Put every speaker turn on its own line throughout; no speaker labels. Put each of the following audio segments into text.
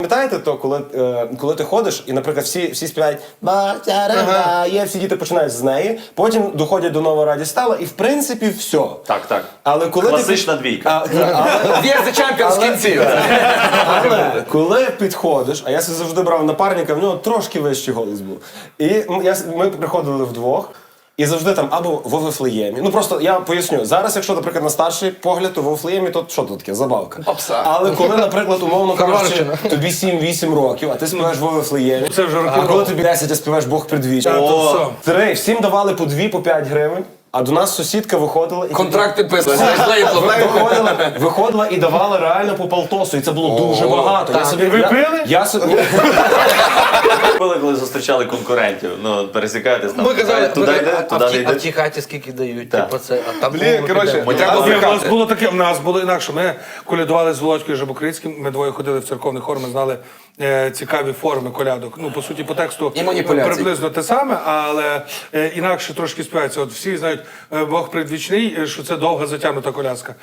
Пам'ятаєте то, коли ти ходиш, і, наприклад, всі співають «Ба-тя-ра-ба», є, всі діти починають з неї, потім доходять до «Нова радість стала», і, в принципі, все.
Так.
Але коли
Класична двійка.
Є за чемпіон з кінців.
Але коли підходиш, а я завжди брав напарника, в нього трошки вищий голос був. І ми приходили вдвох, і завжди там або в Вифлеємі. Ну просто я поясню. Зараз, якщо, наприклад, на старший погляд, то в Вифлеємі, то що тут таке? Забавка.
Попса.
Але коли, наприклад, умовно кажучи, тобі 7-8 років, а ти співаєш в Вифлеємі, а коли тобі 10, а співаєш Бог предвіч. Всім давали по 2-5 гривень. А до нас сусідка виходила і
Контракти писали.
виходила і давала реально по полтосу, і це було дуже багато.
Ви пили?
Я собі
Пили, коли зустрічали конкурентів. Ну, пересікаєтесь там.
Ми казали,
туди йде, туди не
а в
йде.
тій хаті скільки дають?
Так.
Типу це, а там
Блін, коротше,
треба
у нас було таке, в нас було інакше. Ми колядували з Володькою Жабокрицьким, ми двоє ходили в церковний хор, ми знали цікаві форми колядок. Ну, по суті, по тексту
І маніпуляцій.
приблизно те саме, але інакше трошки співається. От всі знають, Бог предвічний, що це довга затягнута колядка.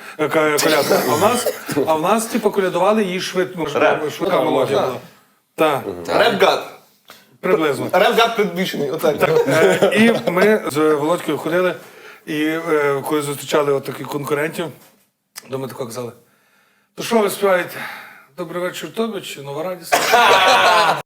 А в нас, типу, колядували її швидко. Швидка мелодія була. Так,
Реп-гад.
приблизно.
Реп-гад предвічний. Отак.
І ми з Володькою ходили, і коли зустрічали от таких конкурентів, то ми тако казали, то що ви співаєте? Добрий вечір тобі чи Нова радість?